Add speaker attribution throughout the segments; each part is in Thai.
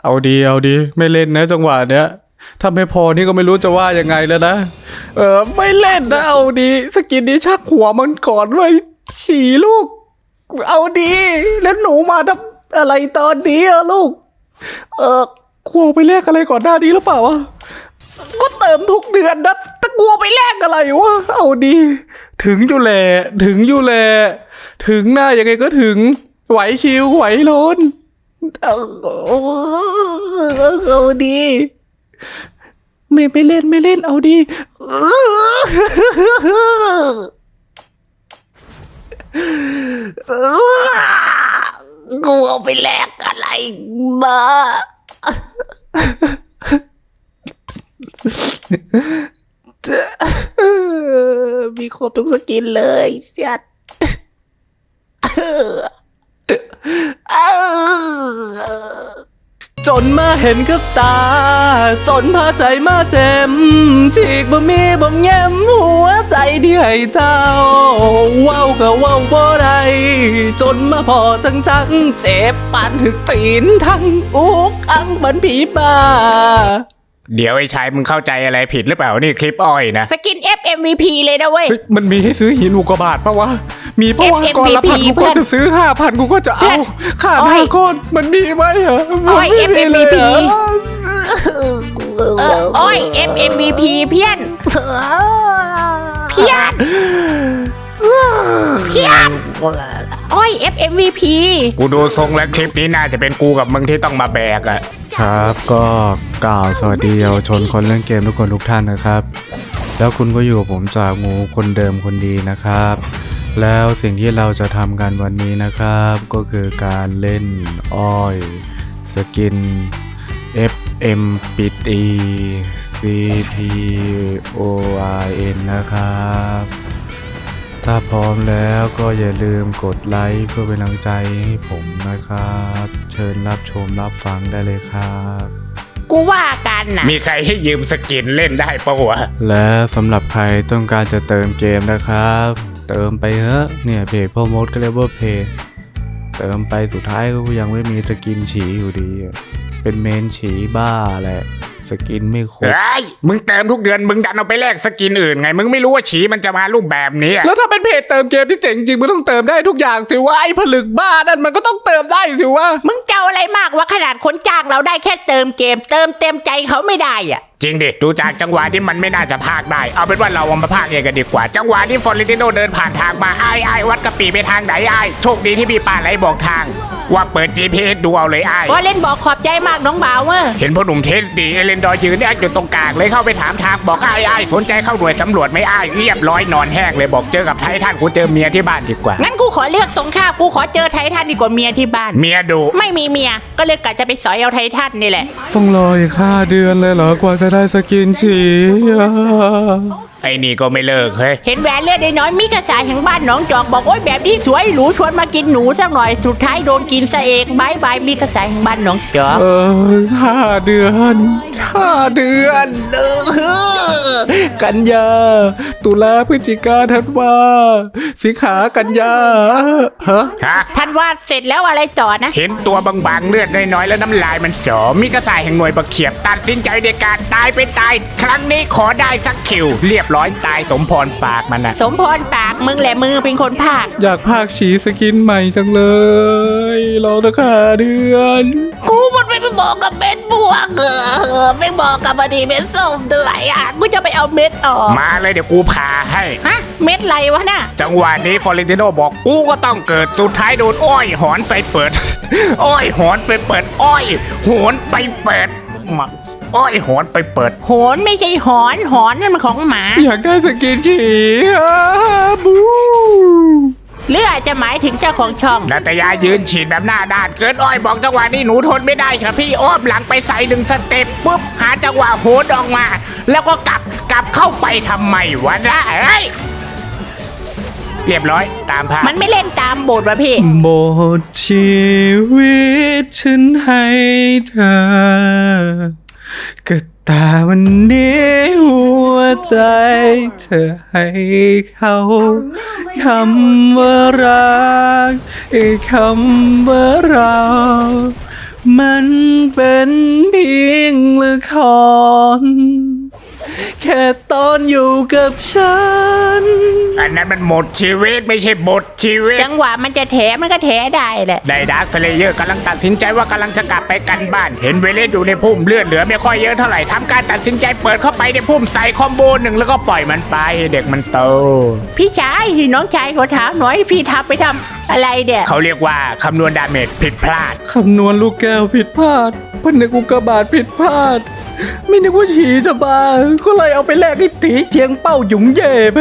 Speaker 1: เอาดีไม่เล่นนะจังหวะเนี้ยถ้าไม่พอนี่ก็ไม่รู้จะว่ายังไงแล้วนะไม่เล่นนะเอาดีสกินนี้ชักหัวมันก่อนไว้ฉี่ลูกเอาดีแล้วหนูมาทำอะไรตอนนี้อะลูกกลัวไปแลกอะไรก่อนหน้านี้หรือเปล่าวะก็เติมทุกเดือนนะแต่กลัวไปแลกอะไรวะเอาดีถึงอยู่แหละถึงหน้ายังไงก็ถึงไหวชิวไหวโลนเอาดีไม่เล่นเอาดี
Speaker 2: กูเอาไปแลกอะไรมามีครบทุกสกินเลยเสียด
Speaker 1: จนมาเห็นกับตาจนพาใจมาเจ็มฉีกบ่มีบ่แง้มหัวใจที่ให้เจ้าเว้าก็เว้าบ่ได้จนมาพอจังเจ็บปานถึกตีนทั้งอุกอังบันผีบ้า
Speaker 3: เดี๋ยวไอ้ชายมึงเข้าใจอะไรผิดหรือเปล่านี่คลิปอ้อยนะ
Speaker 2: สกิน FMVP เลยนะเว้ย
Speaker 1: มันมีให้ซื้อหินอุกกาบาตปะวะมีปะวะ
Speaker 2: FMVP
Speaker 1: ก่อนละ1,000กูก็จะซื้อ 5,000กูก็จะเอาขาด5 ก้อนมันมีไหมเหรอ
Speaker 2: อ้อย
Speaker 1: มันไม่มีเลย
Speaker 2: FMVP
Speaker 1: เหรอ
Speaker 2: อ้อย FMVP เพี้ยนอ้อย FMVP
Speaker 3: กูดูทรงแล้วคลิปนี้น่าจะเป็นกูกับมึงที่ต้องมาแบกอะ
Speaker 1: ครับก็กล่าวสวัสดีเยาวชนคนเล่นเกมทุกคนทุกท่านนะครับ แล้วคุณก็อยู่กับผมจากงูคนเดิมคนดีนะครับ แล้วสิ่งที่เราจะทำกันวันนี้นะครับก็คือการเล่นอ้อยสกิน FM ปิด E CPORN นะครับถ้าพร้อมแล้วก็อย่าลืมกดไลค์เพื่อเป็นกำลังใจให้ผมนะครับเชิญรับชมรับฟังได้เลยครับ
Speaker 2: กูว่ากันน่ะ
Speaker 3: มีใครให้ยืมสกินเล่นได้ปะวะ
Speaker 1: และสำหรับใครต้องการจะเติมเกมนะครับ เติมไปเถอะเนี่ยเพจพ่อมดก็เรียกว่าเพจเติมไปสุดท้ายก็ยังไม่มีสกินฉีอยู่ดีเป็นเมนฉีบ้าแหละสกินไม่ครบ
Speaker 3: เฮ้ยมึงเติมทุกเดือนมึงดันเอาไปแลกสกินอื่นไงมึงไม่รู้ว่าฉีมันจะมารูปแบบนี้อะ
Speaker 1: แล้วถ้าเป็นเพจเติมเกมที่เจ๋งจริงมันต้องเติมได้ทุกอย่างสิว่าไอ้ผลึกบ้านั่นมันก็ต้องเติมได้สิว่า
Speaker 2: มึงเจ้าอะไรมากว่าขนาดคนจ้างเราได้แค่เติมเกมเติมเต็มใจเขาไม่ได้อ่ะ
Speaker 3: จริงดิดูจากจังหวะที่มันไม่น่าจะพากได้เอาเป็นว่าเราเอามาพากเองกันดีกว่าจังหวะที่ฟอร์เรนติโนเดินผ่านทางมาไอ้วัดกะปิไปทางไหนไอ้โชคดีที่พี่ป่าไหลบอกทาง ว่าเปิด GPS ดูเอาเลยไอ้
Speaker 2: ฟอเล่นบอกขอบใจมากน้องบ่าวเว้ย
Speaker 3: เห็นพ่อหนุ่มเทสดีเอเลนดอร์ยืนแอคอยู่ตรงกลางเลยเข้าไปถามทางบอกไอ้สนใจเข้าหน่วยสำรวจไหมไอ้เรียบร้อยนอนแห้งเลยบอกเจอกับไททันกูเจอเมียที่บ้านดีกว่า
Speaker 2: งั้นกูขอเลือกตรงข้ามกูขอเจอไททันดีกว่าเมียที่บ้าน
Speaker 3: เมียดุ
Speaker 2: ไม่มีเมียก็เลยกะจะไปสอยเอาไททันนี่แหละ
Speaker 1: ต้องรออีก5 เดือนเลยเหรอกว่าจะได้สกินฉีอ่ะ
Speaker 3: ไอ้นี่ก็ไม่เลิกเฮ้ย
Speaker 2: เห็นแหวนเลือดน้อยๆมีกระสายแห่งบ้านหนองจอกบอกโอ๊ยแบบนี้สวยหรูชวนมากินหนูสักหน่อยสุดท้ายโดนกินซะเองบายบายมีกระสายแห่งบ้านหนองจอก
Speaker 1: 5 เดือน5 เดือนกันยาตุลาพฤศจิกาธันวาสิงหากันยาฮะ
Speaker 3: ฮะ
Speaker 2: ท่านว่าเสร็จแล้วอะไรต่อนะ
Speaker 3: เห็นตัวบางๆเลือดน้อยๆแล้วน้ำลายมันสอมีกระสายแห่งหน่วยประเขียบตัดสินใจในการตายเป็นตายครั้งนี้ขอได้สักคิวเรียบร้อยตายสมพรปากมันนะ
Speaker 2: สมพรปากมึงแหละมือเป็นคนภาค
Speaker 1: อยากพากฉีสกินใหม่จังเลยรอนะค่ะเดือน
Speaker 2: กูมันไม่ไปบอกกับเม็ดบวกไม่บอกกับอดีเม็ดส้มด้วยอ่ะกูจะไปเอาเม็ดออก
Speaker 3: มาเลยเดี๋ยวกูพาให้
Speaker 2: ฮะเม็ดอะไรวะน่ะ
Speaker 3: จังหวะนี้ฟอร์เรนติโนบอกกูก็ต้องเกิดสุดท้ายโดนอ้อยหอนไปเปิด อ้อยหอนไปเปิดอ้อยหอนไปเปิดมาอ้อยหอนไปเปิด
Speaker 2: โหนไม่ใช่หอนหอนนั่นมันของหมา
Speaker 1: อยากได้สกินฉีบู
Speaker 2: หรืออาจจะหมายถึงเจ้าของช่อง
Speaker 3: นาตยายืนฉีดแบบหน้าด้านเกินอ้อยบอกจังหวะนี้หนูทนไม่ได้ครับพี่อ้อมหลังไปใส่1 สเต็ปปุ๊บหาจังหวะโหนออกมา แล้วก็กลับเข้าไปทำไมวะนะเฮ้ยเรียบร้อยตามภาพ
Speaker 2: มันไม่เล่นตามบทวะพี่
Speaker 1: หมดชีวิตฉันให้เธอก็แต่วันนี้หัวใจเธอให้เขาคำว่ารักคำว่าเรามันเป็นเพียงละครแค่ตอนอยู่กับฉัน
Speaker 3: อันนั้นมันหมดชีวิตไม่ใช่บทชีวิต
Speaker 2: จังหวะมันจะแถมันก็แถได้แหละ
Speaker 3: ได้ดาร์คสเลเยอร์กำลังตัดสินใจว่ากำลังจะกลับไปกันบ้าน เห็นเวเลสอยู่ในพุ่มเลือดเหลือไม่ค่อยเยอะเท่าไหร่ทำการตัดสินใจเปิดเข้าไปในพุ่มใส่คอมโบหนึ่งแล้วก็ปล่อยมันไปให้เด็กมันโต
Speaker 2: พี่ชายน้องชายขอถามหน่อยพี่ทับไปทำอะไรเดี่ย
Speaker 3: เขาเรียกว่าคำนวณดาเมจผิดพลาด
Speaker 1: คำนวณลูกแก้วผิดพลาดพนึกอุกกาบาตผิดพลาด ไม่นึกว่าฉีจะมาก็เลยเอาไปแลกไอ้ตีเจียงเป้าหยุงเย่ไป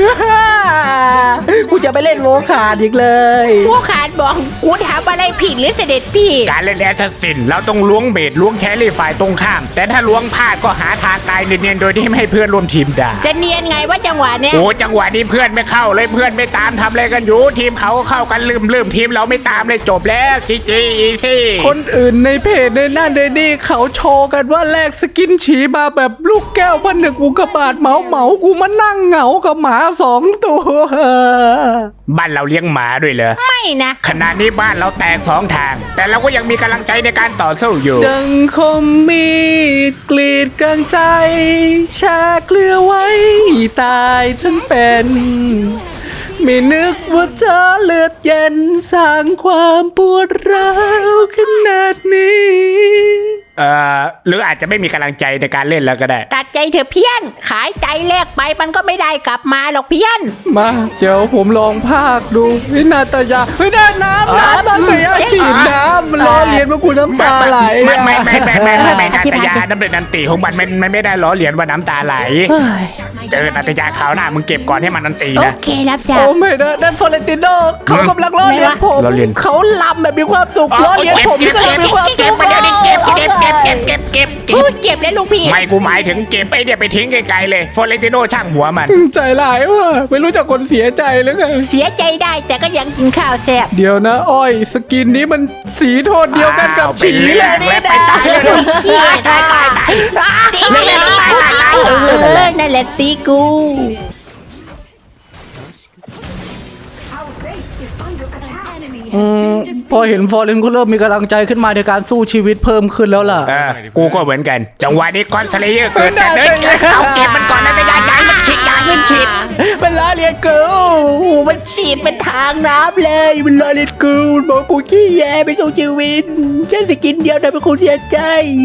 Speaker 1: กูจะไปเล่นโวขาดอีกเลย
Speaker 2: พวกขาดบอกกูถามอะไรผิดหรือเสด็จพี่
Speaker 3: การเล่นแอสซัสซินเราต้องล้วงเบสล้วงแครี่ฝ่ายตรงข้าม แต่ถ้าล้วงพลาดก็หาทางตายเนียนๆโดยที่ไม่ให้เพื่อนร่วมทีมด่า
Speaker 2: จะเนียนไงว่าจังหวะเนี้ย
Speaker 3: โอ้จังหวะนี้เพื่อนไม่เข้าเลยเพื่อนไม่ตามทำอะไรกันอยู่ทีมเขาก็เข้ากันลืมทีมเราไม่ตามเลยจบแล้วจีจีอีซี่
Speaker 1: คนอื่นในเพจในนั่นในนี่เขาโชว์กันว่าแลกสกินฉีมาแบบลูกแก้วพนึกอุกกาบาตเหมากูมานั่งเหงากับหมา2 ตัว
Speaker 3: บ้านเราเลี้ยงหมาด้วยเหรอ
Speaker 2: ไม่นะ
Speaker 3: ขณะนี้บ้านเราแตก2 ทาง แต่เราก็ยังมีกำลังใจในการต่อสู้อยู่
Speaker 1: ดังคมมีดกรีดกลางใจชาเกลือไว้ตายฉันเป็น ไม่นึกว่าเธอเลือดเย็นสร้างความปวดร้าวขนาดนี้
Speaker 3: หรืออาจจะไม่มีกำลังใจในการเล่นแล้วก็ได้
Speaker 2: ตัดใจเถอะเพี้ยน ขายใจแลกไปมันก็ไม่ได้กลับมาหรอกเพี้ยน
Speaker 1: มาเดี๋ยวผมลองภาคดูวินาตยาไม่ได้น้ำนาตยาฉีดน้ำมันล้อเลียนว่ากูน้ำตาไหล
Speaker 3: ไม่
Speaker 1: อะ
Speaker 3: นาตยาน้ำเป็นนันติของมันไม่ได้ล้อเลียนว่าน้ำตาไหล เจอนาตยาขาวหน้ามึงเก็บก่อนให้มันนันติ
Speaker 2: โอ
Speaker 3: นะ
Speaker 2: เครับทรา
Speaker 1: โอ้
Speaker 2: บ
Speaker 1: ไม่นะนั่นฟลอเรนติโนเขากำลังล้อเลียนผม
Speaker 3: ล้อเลียน
Speaker 1: เขาลำแบบมีความสุขล้อเลียนผมที่กำลังมีความสุข
Speaker 3: เก็บมาเดี๋ยวนี้เก็บ
Speaker 2: พูดเจ็บเลยลูกพี่
Speaker 3: ไม่กูหมายถึงเก็บไอเดียไปทิ้งไกลๆเลยฟอเรนติโนช่างหัวมัน
Speaker 1: ใจร้ายว่ะไม่รู้จักคนเสียใจหรือไง
Speaker 2: เสียใจได้แต่ก็ยังกินข้าวแซ่บ
Speaker 1: เดี๋ยวนะอ้อยสกินนี้มันสีโทนเดียวกันกับฉีเลยนี่
Speaker 3: ไป
Speaker 1: นะ
Speaker 3: ตายเลย
Speaker 2: เสียตายตีกูนั่นแหละตีกู
Speaker 1: พอเห็นฟอร์เรนก็เริ่มมีกำลังใจขึ้นมาในการสู้ชีวิตเพิ่มขึ้นแล้วล่ะ
Speaker 3: กูก็เหมือนกัน จังหวะนี้ก้อนสเลเยอร์เกิดแต่เดินเอาเก็บมันก่อนนะแต่ยายมันฉีดยาขึ้นฉีด
Speaker 1: เป็นล้อเลียนกู
Speaker 2: มันฉีดเป็นทางน้ำเลยมันล้อเล่นกูมันบอกกูขี้แย่ไปสู้ชีวิตฉันสกินเดียวทำให้กูเสียใจ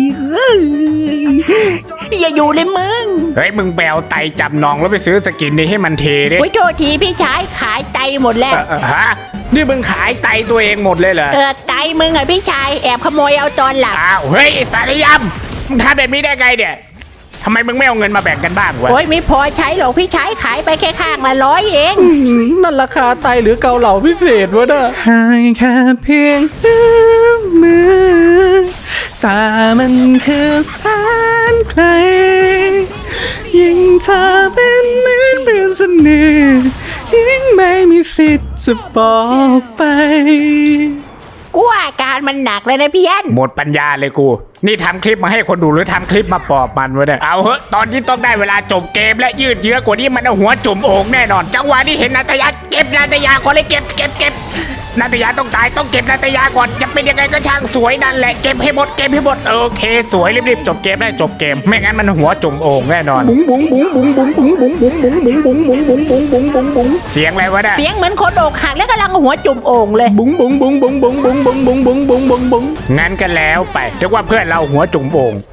Speaker 2: อย่าอยู่เลยมึง
Speaker 3: เฮ้ยมึงแบวไตจับนองแล้วไปซื้อสกินนี้ให้มันเทดิ
Speaker 2: โอ้ยโทษทีพี่ชายขายไตหมดแล้ว
Speaker 3: ฮะนี่มึงขายไตตัวเองหมดเลยเหรอ
Speaker 2: ไตมึงอะพี่ชายแอบขโมยเอาตอนหลัง
Speaker 3: อ้าวเฮ้ยสารยำมึงทำแบบนี้ได้ไงเนี่ยทำไมมึงไม่เอาเงินมาแบ่งกันบ้างวะ
Speaker 2: โอ้ยไม่พอใช้หรอกพี่ชายขายไปแค่ข้างละ100เอง
Speaker 1: นั่นราคาไตหรือเกาเหลาพิเศษวะน่ะห่างแค่เพียงเอื้อมมือตามันคือแสนไกลยิ่งเธอเป็นเหมือนเพื่อนสนิทยิ่งไม่มีสิทธิ์จะบอกไป
Speaker 2: กูว่าอาการมันหนักเลยนะพี่ยัน
Speaker 3: หมดปัญญาเลยกู นี่ทำคลิปมาให้คนดูหรือทำคลิปมาปอบมันวะเนี่ยเอาเหอะตอนนี้ต้องได้เวลาจบเกมและยืดเยื้อกว่านี้มันเอาหัวจุ่มโอ่งแน่นอน จังหวะนี้เห็นนาตยาเก็บนาตยาก่อนเลยเก็บนาตยาต้องตายต้องเก็บนาตยาก่อนจะเป็นยังไงก็ช่างสวยนั่นแหละเก็บให้หมดโอเคสวยรีบๆจบเกมได้จบเกมไม่งั้นมันหัวจุ่มโอ่งแน่นอน
Speaker 1: บุ๋งบุ๋งบุ๋งบุ๋งบุ๋งบุ๋งบุ๋งบุ๋งบุ๋งบุ๋งบุ๋งบุ๋งบุ๋งบุ๋งบุ๋งบุ๋งบุ๋ง
Speaker 3: เสียงอะไรวะเนี่ย
Speaker 2: เสียงเหมือนคนอกหักแล้วกำลังหัวจุ่มโอ่งเลย
Speaker 1: บุ๋งบุ๋งบุ๋งบุ๋งบุ๋งบุ๋งบุ๋งบุ๋งบุ๋งบุ๋งบุ๋งบุ๋ง
Speaker 3: งั้นกันแล้วไปเรียกว่าเพื่อนเราหัวจุ่มโอ่ง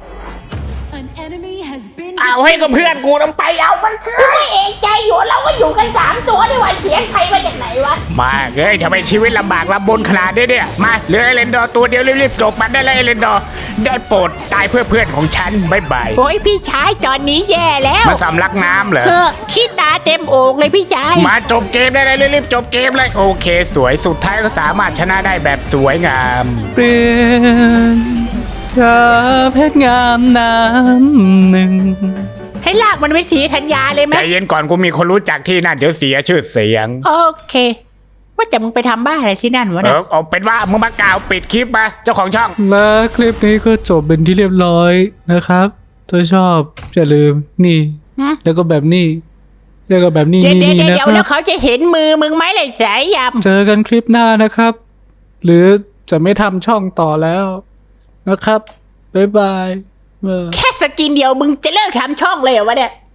Speaker 4: An enemy has been
Speaker 3: เอาให้กับเพื่อนกูต้องไปเอามันเถ
Speaker 2: กู
Speaker 3: อะ
Speaker 2: ไม่เอกใจอยู่เราก็อยู่กัน3ตัวนี่หว่าเสียงใครมาจากไหนวะ
Speaker 3: มาเอ้ยทำไมชีวิตลำบากลำบนขนาดนี้เนี่ยมาเหลือเอเลนดอร์ตัวเดียวรีบๆจบมันได้เลยเอเลนดอร์ได้โปรดตายเพื่อเพื่อนของฉันบ๊ายบาย
Speaker 2: โอ้ยพี่ชายตอนนี้แย่แล้ว
Speaker 3: มาสำลักน้ำเหรอ
Speaker 2: ขี้ตาเต็มโอ่งเลยพี่ชาย
Speaker 3: มาจบเกมได้เลยรีบๆจบเกมเลยโอเคสวยสุดท้ายก็สามารถชนะได้แบบสวยงาม
Speaker 1: เปลี่ยนเธอเพชรงามน้ำหนึ่ง
Speaker 2: ให้ลากมันไปสีธัญญาเลยไหม
Speaker 3: ใจเย็นก่อนกูมีคนรู้จักที่นั่นเดี๋ยวเสียชื่อเสียง
Speaker 2: โอเค ว่าแต่มึงไปทำบ้าอะไรที่นั่นวะ
Speaker 3: เอ
Speaker 2: เนี่ย
Speaker 3: อเอาเป็นว่ามึงมากล่าวปิดคลิปมาเจ้าของช่อง
Speaker 1: และคลิปนี้ก็จบเป็นที่เรียบร้อยนะครับ ถ้าชอบอย่าลืมนี่ แล้วก็แบบนี้ แล้วก็แบบนี้
Speaker 2: เดี๋ยว
Speaker 1: นี่
Speaker 2: เดี๋ยว
Speaker 1: นะ
Speaker 2: เดี๋ยว
Speaker 1: ค
Speaker 2: แล้
Speaker 1: รั
Speaker 2: ว
Speaker 1: บ
Speaker 2: เขาจะเห็นมือมึงไหมเลยสายยำ
Speaker 1: เจอกันคลิปหน้านะครับ หรือจะไม่ทำช่องต่อแล้วนะครับบ๊ายบาย
Speaker 2: แค่สกินเดียวมึงจะเลิกทำช่องเลยเหรอวะเนี่ย